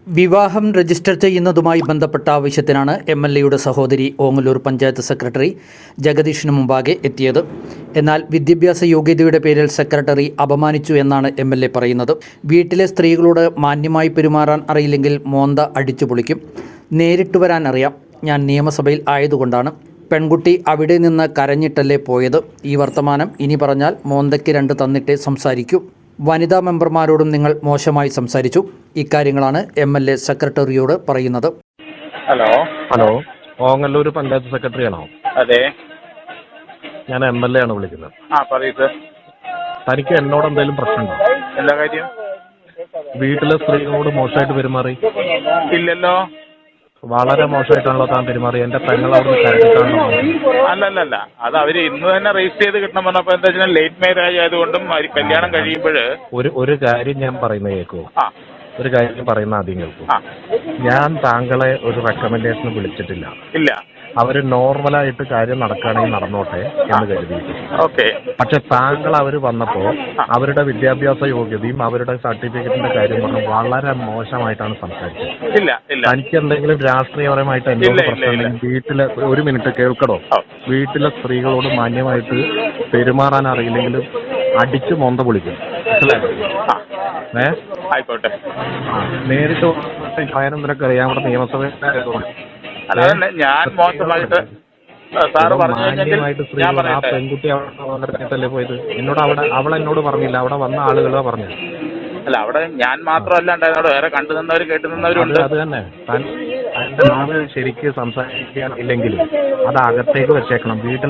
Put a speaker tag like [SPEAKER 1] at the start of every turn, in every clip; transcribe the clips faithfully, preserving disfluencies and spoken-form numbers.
[SPEAKER 1] വിവാഹം രജിസ്റ്റർ ചെയ്യുന്നതുമായി ബന്ധപ്പെട്ട ആവശ്യത്തിനാണ് M L എയുടെ സഹോദരി ഓങ്ങല്ലൂർ പഞ്ചായത്ത് സെക്രട്ടറി ജഗദീഷിന് മുമ്പാകെ എത്തിയത്. എന്നാൽ വിദ്യാഭ്യാസ യോഗ്യതയുടെ പേരിൽ സെക്രട്ടറി അപമാനിച്ചു എന്നാണ് എം എൽ എ പറയുന്നത്. വീട്ടിലെ സ്ത്രീകളോട് മാന്യമായി പെരുമാറാൻ അറിയില്ലെങ്കിൽ മോന്ത അടിച്ചു പൊളിക്കും. നേരിട്ട് വരാൻ അറിയാം. ഞാൻ നിയമസഭയിൽ ആയതുകൊണ്ടാണ്. പെൺകുട്ടി അവിടെ നിന്ന് കരഞ്ഞിട്ടല്ലേ പോയത്. ഈ വർത്തമാനം ഇനി പറഞ്ഞാൽ മോന്തയ്ക്ക് രണ്ട് തന്നിട്ടേ സംസാരിക്കൂ. വനിതാ മെമ്പർമാരോടും നിങ്ങൾ മോശമായി സംസാരിച്ചു. ഇക്കാര്യങ്ങളാണ് എം എൽ എ സെക്രട്ടറിയോട് പറയുന്നത്.
[SPEAKER 2] Hello
[SPEAKER 3] hello Ongallur panchayat secretary ആണോ?
[SPEAKER 2] അതെ,
[SPEAKER 3] ഞാൻ എം എൽ എ ആണ് വിളിക്കുന്നത്.
[SPEAKER 2] ആ പറയൂ സർ.
[SPEAKER 3] തനിക്ക് എന്നോട് എന്തെങ്കിലും പ്രശ്നമുണ്ടോ?
[SPEAKER 2] എന്താ കാര്യം?
[SPEAKER 3] വീട്ടിലെ സ്ത്രീകളോട് മോശമായിട്ട് പെരുമാറി?
[SPEAKER 2] ഇല്ലല്ലോ.
[SPEAKER 3] വളരെ മോശമായിട്ടാണല്ലോ താൻ പെരുമാറി. എന്റെ പെങ്ങൾ അവിടുന്ന് കരഞ്ഞിട്ടാണോ?
[SPEAKER 2] അല്ലല്ല, അത് അവര് ഇന്ന് തന്നെ രജിസ്റ്റർ ചെയ്ത് കിട്ടണം പറഞ്ഞപ്പോ എന്താ വെച്ചാൽ ലേറ്റ് മാരേജ് ആയതുകൊണ്ടും അവര് കല്യാണം കഴിയുമ്പോൾ
[SPEAKER 3] ഒരു ഒരു കാര്യം ഞാൻ പറയുന്നത് കേൾക്കൂ.
[SPEAKER 2] ആ
[SPEAKER 3] ഒരു കാര്യം പറയുന്ന ആദ്യം കേൾക്കൂ.
[SPEAKER 2] ആ
[SPEAKER 3] ഞാൻ താങ്കളെ ഒരു റെക്കമെൻഡേഷന് വിളിച്ചിട്ടില്ല.
[SPEAKER 2] ഇല്ല.
[SPEAKER 3] അവര് നോർമലായിട്ട് കാര്യം നടക്കുകയാണെങ്കിൽ നടന്നോട്ടെ എന്ന് കരുതി.
[SPEAKER 2] ഓക്കെ.
[SPEAKER 3] പക്ഷെ താങ്കൾ അവർ വന്നപ്പോ അവരുടെ വിദ്യാഭ്യാസ യോഗ്യതയും അവരുടെ സർട്ടിഫിക്കറ്റിന്റെ കാര്യം പറഞ്ഞ് വളരെ മോശമായിട്ടാണ് സംസാരിച്ചത്.
[SPEAKER 2] ഇല്ല ഇല്ല.
[SPEAKER 3] തനിക്ക് എന്തെങ്കിലും രാഷ്ട്രീയപരമായിട്ട് എന്നോട് പ്രശ്നം വീട്ടിലെ ഒരു മിനിറ്റ് കേൾക്കടോ. വീട്ടിലെ സ്ത്രീകളോട് മാന്യമായിട്ട് പെരുമാറാൻ അറിയില്ലെങ്കിലും അടിച്ച് മൊന്ത പൊളിക്കും. ഏ
[SPEAKER 2] ആയിക്കോട്ടെ.
[SPEAKER 3] നേരിട്ട് കാര്യം നിനക്ക് അറിയാം. ഇവിടെ നിയമസഭ
[SPEAKER 2] അല്ലാതെ ഞാൻ മോശമായിട്ട് സാറ് പറഞ്ഞു
[SPEAKER 3] മാന്യമായിട്ട് സ്ത്രീകൾ ആ പെൺകുട്ടി അവിടെ പോയത് എന്നോട് അവിടെ അവൾ എന്നോട് പറഞ്ഞില്ല. അവിടെ വന്ന ആളുകളാ പറഞ്ഞു.
[SPEAKER 2] അല്ല, അവിടെ ഞാൻ മാത്രമല്ല ഉണ്ടായിരുന്നോട് വേറെ കണ്ടു നിന്നവരും കേട്ടു നിന്നവരുണ്ട്.
[SPEAKER 3] അത് തന്നെ. തന്റെ നാവ് ശരിക്ക് സംസാരിക്കാൻ ഇല്ലെങ്കിലും അത് അകത്തേക്ക് വെച്ചേക്കണം. വീട്ടിൽ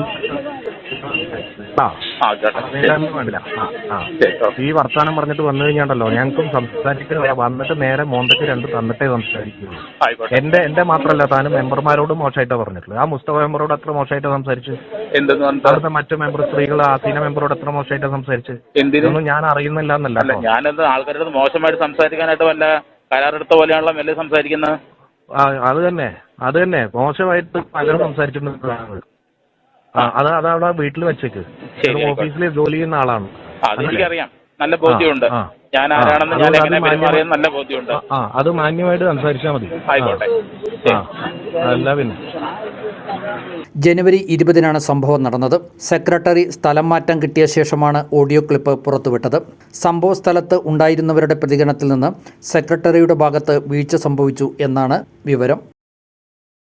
[SPEAKER 3] ഈ വർത്താനം പറഞ്ഞിട്ട് വന്നു കഴിഞ്ഞാണ്ടല്ലോ ഞങ്ങൾക്കും സംസാരിക്കുക. വന്നിട്ട് നേരെ മോന്തക്ക് രണ്ട് തന്നിട്ടേ സംസാരിക്കുള്ളൂ. എന്റെ എന്റെ മാത്രമല്ല, താനും മെമ്പർമാരോട് മോശമായിട്ടാ പറഞ്ഞിട്ടുള്ളത്. ആ മുസ്തഫ മെമ്പറോട് എത്ര മോശമായിട്ട് സംസാരിച്ചു. അവിടുത്തെ മറ്റു മെമ്പർ സ്ത്രീകൾ ആസീന മെമ്പറോട് എത്ര മോശമായിട്ട് സംസാരിച്ചു. ഇതൊന്നും ഞാൻ അറിയുന്നില്ല എന്നല്ല.
[SPEAKER 2] ഞാനത് ആൾക്കാരുടെ മോശമായിട്ട് സംസാരിക്കാനായിട്ട് വല്ല കരാറെടുത്ത പോലെയാണല്ലോ മെല്ലെ സംസാരിക്കുന്നത്.
[SPEAKER 3] അത് തന്നെ അത് തന്നെ മോശമായിട്ട് പലരും സംസാരിച്ചിട്ടുണ്ട്. അത് അതവിടെ വീട്ടിൽ വെച്ചേക്ക്. ഓഫീസിൽ ജോലി ചെയ്യുന്ന ആളാണ്.
[SPEAKER 2] അതെനിക്കറിയാം, നല്ല ബോധ്യമുണ്ട്. ഞാൻ ആരാണെന്ന് ഞാൻ എങ്ങനെ പെരുമാറിയെന്ന് നല്ല ബോധ്യമുണ്ട്.
[SPEAKER 3] ആ അത് മാന്യമായിട്ട് സംസാരിച്ചാൽ മതി.
[SPEAKER 2] ആയിക്കോട്ടെ.
[SPEAKER 3] അല്ല പിന്നെ
[SPEAKER 1] ജനുവരി ഇരുപതിനാണ് സംഭവം നടന്നത്. സെക്രട്ടറി സ്ഥലം മാറ്റം കിട്ടിയ ശേഷമാണ് ഓഡിയോ ക്ലിപ്പ് പുറത്തുവിട്ടത്. സംഭവ സ്ഥലത്ത് ഉണ്ടായിരുന്നവരുടെ പ്രതികരണത്തിൽ നിന്ന് സെക്രട്ടറിയുടെ ഭാഗത്ത് വീഴ്ച സംഭവിച്ചു എന്നാണ് വിവരം.